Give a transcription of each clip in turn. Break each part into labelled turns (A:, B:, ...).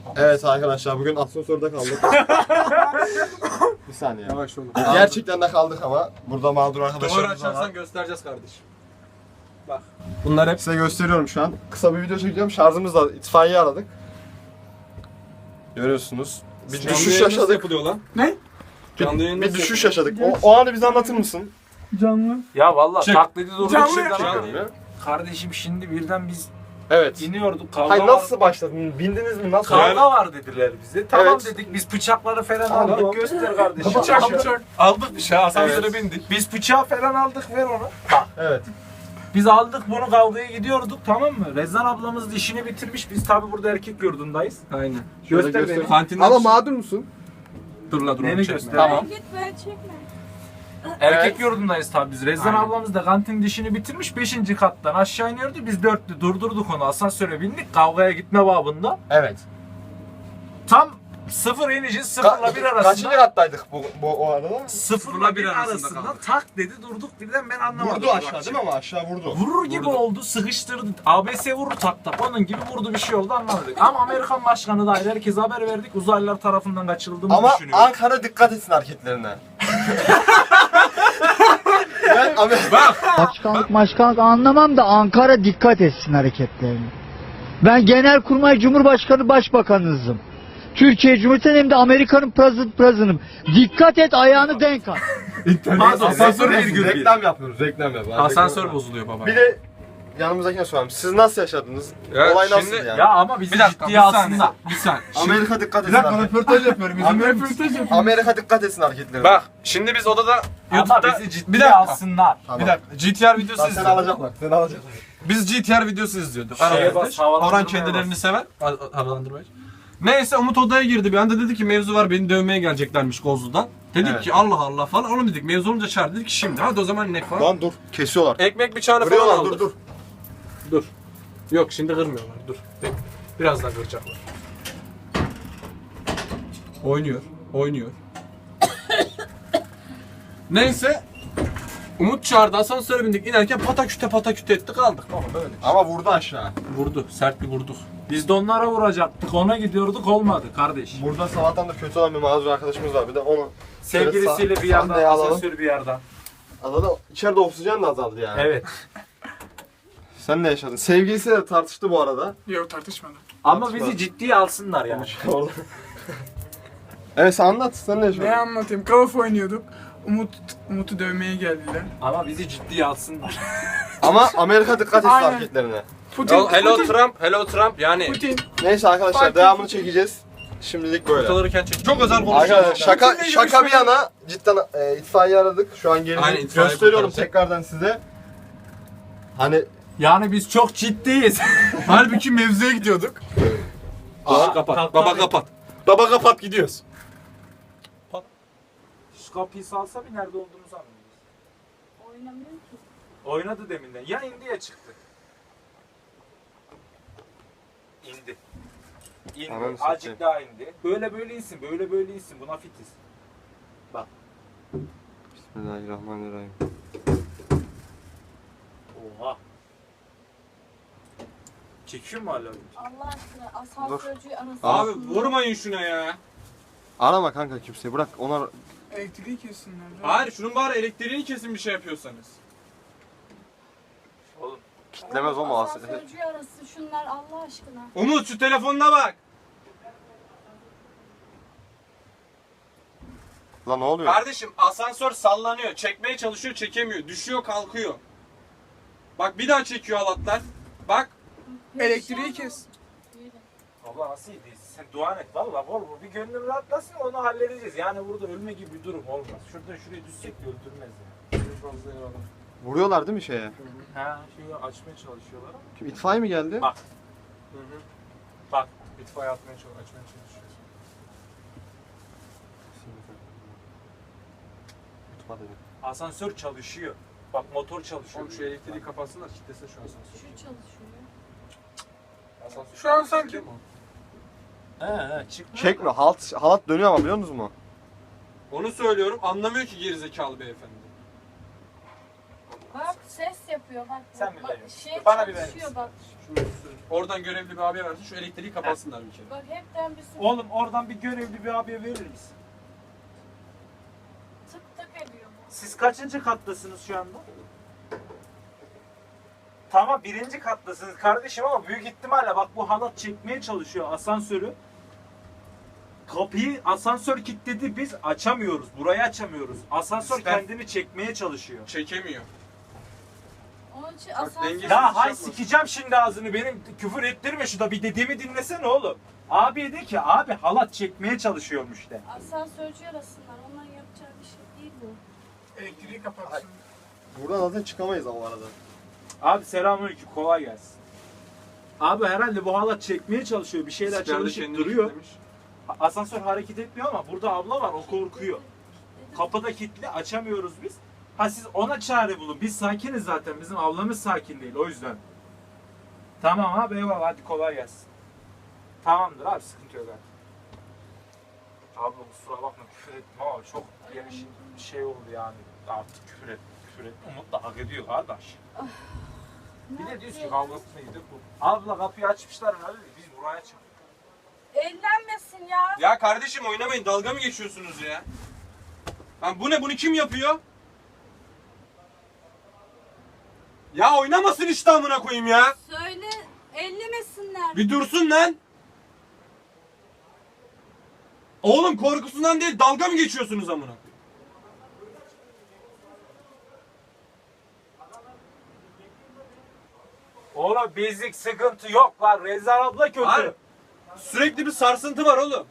A: Evet arkadaşlar bugün asansörde kaldık. Bir saniye.
B: Yavaş olun.
A: Gerçekten de kaldık ama burada mağdur
B: Duvarı
A: arkadaşlarımız var.
B: açarsan göstereceğiz kardeşim. Bak. Bunlar hep
A: Size gösteriyorum şu an. Kısa bir video çekeceğim. Şarjımızla itfaiye aradık. Görüyorsunuz. Bir düşüş yaşadık.
B: yapılıyor lan.
C: Ne?
B: Canlı yayın
A: Bir
B: nasıl
A: düşüş
B: yapılıyor?
A: yaşadık. O anı bize anlatır mısın?
C: Canlı.
D: Ya vallahi
B: Çık.
D: taklidi durduk
C: Canlı
D: şimdi
C: yapıyor.
D: ama kardeşim şimdi birden biz
A: Evet.
D: iniyorduk kavga
A: Hayır
D: var.
A: nasıl başladın? Bindiniz mi? Nasıl?
D: Kavga var dediler bize. Tamam
A: Evet.
D: dedik biz bıçakları falan
A: Tamam.
D: aldık göster kardeşim.
C: Bıçak.
D: Aldık bir şey asansöre
A: Evet.
D: bindik. Biz bıçağı falan aldık ver onu.
A: Evet.
D: Biz aldık bunu kavgaya gidiyorduk tamam mı? Rezan ablamız da işini bitirmiş. Biz tabi burada erkek yurdundayız.
B: Aynen.
A: Şöyle
D: Göster beni.
B: Kantinden
A: Ama
B: çık.
A: mağdur musun?
B: Dur la dur
D: Neni
B: onu çekme.
D: göster?
A: Tamam.
E: Git böyle çekme.
D: Erkek
A: Evet.
D: yurdundayız tabi biz. Rezan
B: Aynen.
D: ablamız da kantinin dişini bitirmiş. 5. kattan aşağı iniyordu. Biz 4'lü durdurduk onu. Asansöre bindik. Kavgaya gitme babında.
A: Evet.
D: Tam sıfır ineceğiz. Sıfırla bir arasında.
A: Kaçıncı kattaydık o arada?
D: Sıfırla bir
B: arasında
D: arasında
B: kaldık.
D: tak dedi durduk birden ben anlamadım.
A: Vurdu aşağı değil mi ama aşağı vurdu.
D: Vurur gibi
B: Vurdu.
D: oldu sıkıştırdı. ABS vurur tak tak onun gibi vurdu bir şey oldu anlamadık. Ama Amerikan başkanı dahil herkese haber verdik uzaylılar tarafından kaçırıldığımızı
A: Ama
D: düşünüyoruz.
A: Ankara dikkat etsin hareketlerine. Ben
F: Başkanlık anlamam da Ankara dikkat etsin hareketlerine. Ben Genelkurmay Cumhurbaşkanı Başbakanınızım. Türkiye Cumhuriyeti'nin hem de Amerika'nın president'ım. Dikkat et ayağını denk al.
D: Pardon,
B: Asansör
A: Reklam-
B: virgül bir.
A: reklam yapıyoruz, reklam yapıyoruz.
B: Asansör
A: Reklam-
B: bozuluyor baba.
A: Bir de yanımızdakine soralım. Siz nasıl yaşadınız?
B: Ya
A: Olay nasıl
B: şimdi-
A: yani?
D: Ya ama bizi
B: Bir dakika
D: ciddiye alsınlar.
B: Bir saniye.
A: Amerika dikkat etsin.
B: röportaj yapıyorum.
A: Amerika dikkat etsin hareketlerine.
B: Bak şimdi biz odada
D: Ama
B: YouTube'da
D: bizi
B: bir
D: ciddiye
B: dakika.
D: alsınlar.
A: Tamam.
B: Bir dakika. GTR videosu
A: Lan seni
B: izliyorduk.
A: alacaklar. Seni alacaklar.
B: Biz GTR videosu izliyorduk.
D: Şeye
B: Arabada.
D: bas, havalandırmaya
B: Orhan kendilerini
D: bas.
B: sever. Havalandırmaya. Neyse Umut odaya girdi bir anda dedi ki mevzu var beni dövmeye geleceklermiş Kozlu'dan. Dedik
A: Evet.
B: ki Allah Allah falan onu dedik mevzu olunca çağır dedik ki şimdi hadi o zaman ne falan.
A: Lan dur. Kesiyorlar.
B: Ekmek bıçağını falan
A: Kırıyorlar
B: aldık.
A: dur.
B: Yok şimdi kırmıyorlar dur. Birazdan kıracaklar. Oynuyor. Neyse Umut çağırdı asansöre bindik inerken pataküte etti kaldık. Ama böyle.
A: Ama vurdu aşağı.
B: Vurdu sert bir vurduk.
D: Biz de onlara vuracaktık ona gidiyorduk olmadı kardeş.
A: Burada sabahtan da kötü olan bir mağdur arkadaşımız var. Bir de onu
D: Sevgilisiyle bir
A: sahneye
D: yerden
A: alalım.
D: asansör bir yerden.
A: Adada içeride oksijen de azaldı yani.
D: Evet.
A: Sen ne yaşadın? Sevgilisiyle de tartıştı bu arada.
C: Yok tartışmadım.
D: Ama bizi ciddiye alsınlar yani.
A: Orada. Evet sen anlat. Sen ne yaşadın?
C: Ne anlatayım? Call of oynuyorduk. Umut'u dövmeye geldiler.
D: Ama bizi ciddiye alsınlar.
A: Ama Amerika dikkat etsin
C: Aynen.
A: hareketlerine.
C: Putin.
B: Hello Trump yani.
C: Putin.
A: Neyse arkadaşlar
C: Fark
A: devamını
C: ettim.
A: çekeceğiz. Şimdilik böyle.
B: Ortalarken çek. Çok özel konuşuyoruz.
A: Arkadaşlar şaka bir yana cidden itfaiye aradık. Şu an
B: Aynen,
A: gelin
B: itfaiye
A: gösteriyorum
B: kurtaracak.
A: tekrardan size. Hani
D: Yani biz çok ciddiyiz.
B: Halbuki mevzuya gidiyorduk.
D: kapat.
B: Baba kapat.
A: baba kapat gidiyoruz.
D: Şu kapıyı salsa bir nerede olduğumuzu anlıyoruz.
E: Oynamıyor ki.
D: Oynadı deminden. Ya indi ya çıktı. İndi. İndi.
A: Ananı
D: Azıcık
A: satayım.
D: daha indi. Böyle insin. Böyle insin. Buna fitiz.
A: Bismillahirrahmanirrahim.
D: Oha. Çekiyor mu hala?
E: Allah aşkına asansörcüyü arasın.
B: Abi vurmayın şuna ya.
A: Arama kanka kimseyi bırak ona
C: Elektriği kessinler.
B: Hayır şunun bari elektriğini kesin bir şey yapıyorsanız.
D: Oğlum.
A: kitlemez o mu?
E: Asansörcüyü arasın şunlar Allah aşkına.
B: Umut şu telefonuna bak.
A: Lan ne oluyor?
B: Kardeşim asansör sallanıyor. Çekmeye çalışıyor çekemiyor. Düşüyor kalkıyor. Bak bir daha çekiyor halatlar. Bak.
C: Elektriği kes.
D: Abla nasıl iyi sen dua et valla bol bir gönlüm rahatlasın onu halledeceğiz. Yani burada ölme gibi bir durum olmaz. Şuradan şuraya düşsek de öldürmez yani.
A: Vuruyorlar değil mi şeye?
D: Ha şeyi açmaya çalışıyorlar ama.
A: Kim itfaiye mi geldi?
D: Bak. Bak itfaiye açmaya çalışıyor.
A: Tutma dedim.
D: Asansör çalışıyor. Bak motor çalışıyor.
B: Oğlum şu elektriği kapatsınlar kitlesin şu asansör.
E: Şu çalışıyor.
B: Asansör.
C: Şu an sanki.
D: He çıkmıyor.
A: Çekme halat dönüyor ama biliyor musunuz mu?
B: Onu söylüyorum anlamıyor ki gerizekalı beyefendi.
E: Bak ses yapıyor bak.
D: Sen bir
E: bak,
D: ver.
E: şey
D: Bana bir ver
E: çalışıyor
D: misin?
E: bak.
B: Oradan görevli bir abiye versin şu elektriği kapatsınlar bir kere.
E: Bak hepten bir sürü
D: Oğlum oradan bir görevli bir abiye verir misin?
E: tık tık ediyor bu.
D: Siz kaçıncı kattasınız şu anda? Tamam 1. kattasınız kardeşim ama büyük ihtimalle bak bu halat çekmeye çalışıyor asansörü. Kapıyı asansör kilitledi, biz açamıyoruz. Burayı açamıyoruz. Asansör
B: İster-
D: kendini çekmeye çalışıyor.
B: Çekemiyor.
E: Onun için
B: Bak,
E: asansör...
B: dengesiz.
D: Ya hay
B: yapma.
D: sikeceğim şimdi ağzını, benim küfür ettirme şurada, bir dediğimi dinlesene oğlum. Abi de ki abi halat çekmeye çalışıyormuş de.
E: Asansörcü arasınlar. Onların yapacağı bir şey değil bu.
C: Elektriği kapatsın.
A: Buradan zaten çıkamayız ama arada.
D: Abi selamünaleyküm, kolay gelsin. Abi herhalde bu halat çekmeye çalışıyor, bir şeyler
B: Siperde
D: çalışıp
B: kendini
D: duruyor.
B: kilitlemiş.
D: Asansör hareket etmiyor ama burada abla var, o korkuyor. Kapıda kilitli, açamıyoruz biz. Ha siz ona çare bulun. Biz sakiniz zaten. Bizim ablamız sakin değil o yüzden. Tamam abi eyvallah, hadi kolay gelsin. Tamamdır abi, sıkıntı yok abi. Abla kusura bakma küfür ettim ama çok yani şimdi bir şey oldu yani. Artık küfür et. Umut da hak ediyor kardeş. Bir de diyoruz ki kavgasına gidip bu. Abla kapıyı açmışlar herhalde, biz buraya çıktık.
E: Ellenmesin ya.
B: Ya kardeşim oynamayın, dalga mı geçiyorsunuz ya? Lan bu ne, bunu kim yapıyor? Ya oynamasın işte amına koyayım ya.
E: Söyle ellemesinler.
B: Bir dursun lan. Oğlum korkusundan değil, dalga mı geçiyorsunuz amına koyayım?
D: Oğlum bizlik sıkıntı yok lan, Rezan abla kötü.
B: Hayır. Sürekli bir sarsıntı var oğlum.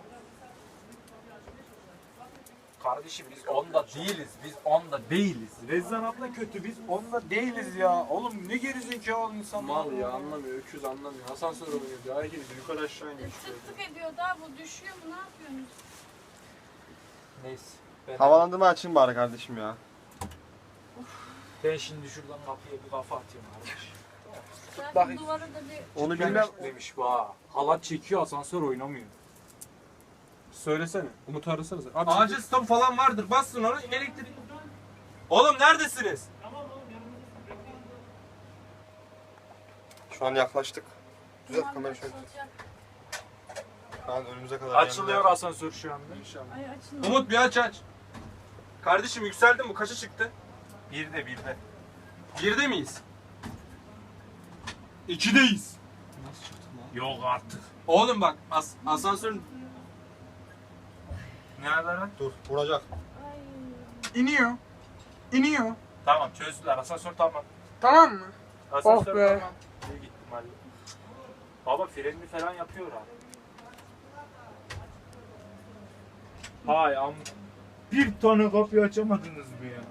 D: Kardeşim biz onda değiliz. Biz onda değiliz. Rezan abla kötü. Biz onda değiliz ya. Oğlum ne gerizekalı insan.
B: Mal ya, anlamıyor, öküz anlamıyor. Asansör oynuyor diyor, hareket ediyor, yukarı aşağı iniyor.
E: Tık tık ediyor da bu düşüyor mu, ne yapıyorsunuz?
D: Neyse.
A: Havalandırma açayım bari kardeşim ya.
D: Ben şimdi şuradan kapıya bir kafa atayım kardeş.
E: Zaten
D: Bak-
E: duvarı da bir...
A: Onu bilmem.
D: Demiş bu ha. Halat çekiyor, asansör oynamıyor.
B: Söylesene, Umut'u arasanıza. Abi, acil stop falan vardır, bassın onu, elektrik. Oğlum neredesiniz?
A: Şu an yaklaştık. Düzelt
E: Tamam,
A: kamerayı şöyle.
E: açılacak.
A: Şu an önümüze kadar
D: Açılıyor
A: geldi.
D: asansör şu anda.
E: Ay açılmıyor.
B: Umut bir aç. Kardeşim yükseldin mi? Kaça çıktı?
D: Bir de.
B: 1'de miyiz? 2'deyiz.
D: Yok artık.
B: Oğlum bak asansörün...
D: Nerede lan?
A: Dur vuracak.
E: Ay.
C: İniyor. İniyor.
D: Tamam çözdüler. Asansör tamam.
C: Tamam mı?
D: Asansör
C: Oh be.
D: tamam. Büyük ihtimalle. Baba frenini falan yapıyor abi. Hay am. Bir tane kapıyı açamadınız mı ya?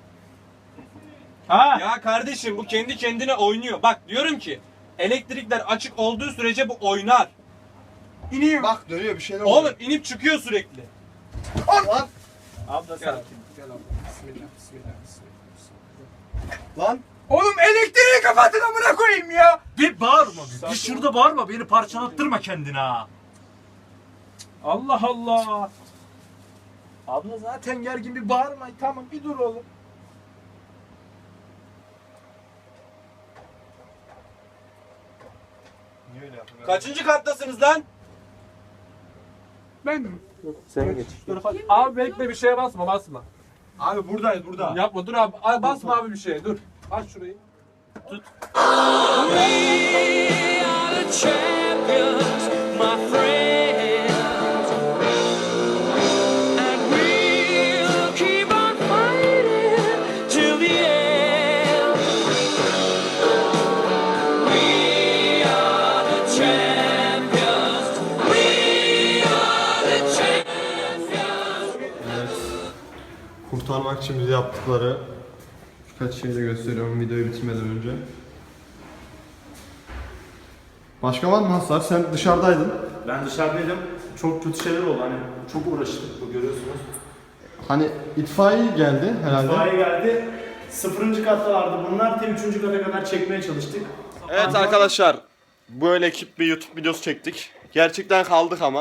D: Ha?
B: Ya kardeşim bu kendi kendine oynuyor. Bak diyorum ki elektrikler açık olduğu sürece bu oynar.
C: İniyor.
A: Bak dönüyor bir şeyler
B: Oğlum inip çıkıyor sürekli.
A: Lan.
D: Abla sakin.
B: Gel abla. Bismillah, bismillah,
A: Lan.
C: Oğlum elektriği kapatın amına koyayım ya.
D: Bir bağırma. Bir şurada bağırma. Beni parçalattırma kendine ha. Allah Allah. Abla zaten gergin, bir bağırma. Tamam bir dur oğlum.
A: Niye öyle yapıyorsun?
B: Kaçıncı kattasınız lan?
C: Ben mi?
B: Sen geç.
G: Abi bekle, bir şeye basma.
A: Abi buradayız burada.
G: Yapma, dur abi. Ay, basma abi bir şeye, dur. Aç şurayı.
A: Evet. Kurtarmak için bize yaptıkları birkaç şey de gösteriyorum videoyu bitirmeden önce. Başka var mı Hasan? Sen dışarıdaydın.
H: Ben dışarıdaydım. Çok kötü şeyler oldu. Hani çok uğraştık, bu görüyorsunuz.
A: Hani itfaiye geldi herhalde.
H: İtfaiye geldi. 0. kattalardı bunlar. Tam 3. kata kadar çekmeye çalıştık.
A: Evet arkadaşlar. Böyle ekip bir YouTube videosu çektik. Gerçekten kaldık ama.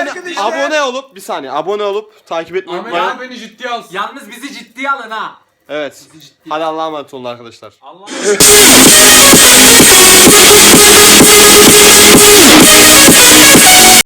A: Abone olup bir saniye abone olup takip etmeyi
G: Ahmet
A: unutmayın.
G: abi beni ciddiye alsın.
D: Yalnız bizi ciddiye alın ha.
A: Evet. Hadi Allah'a emanet olun arkadaşlar.
D: Allah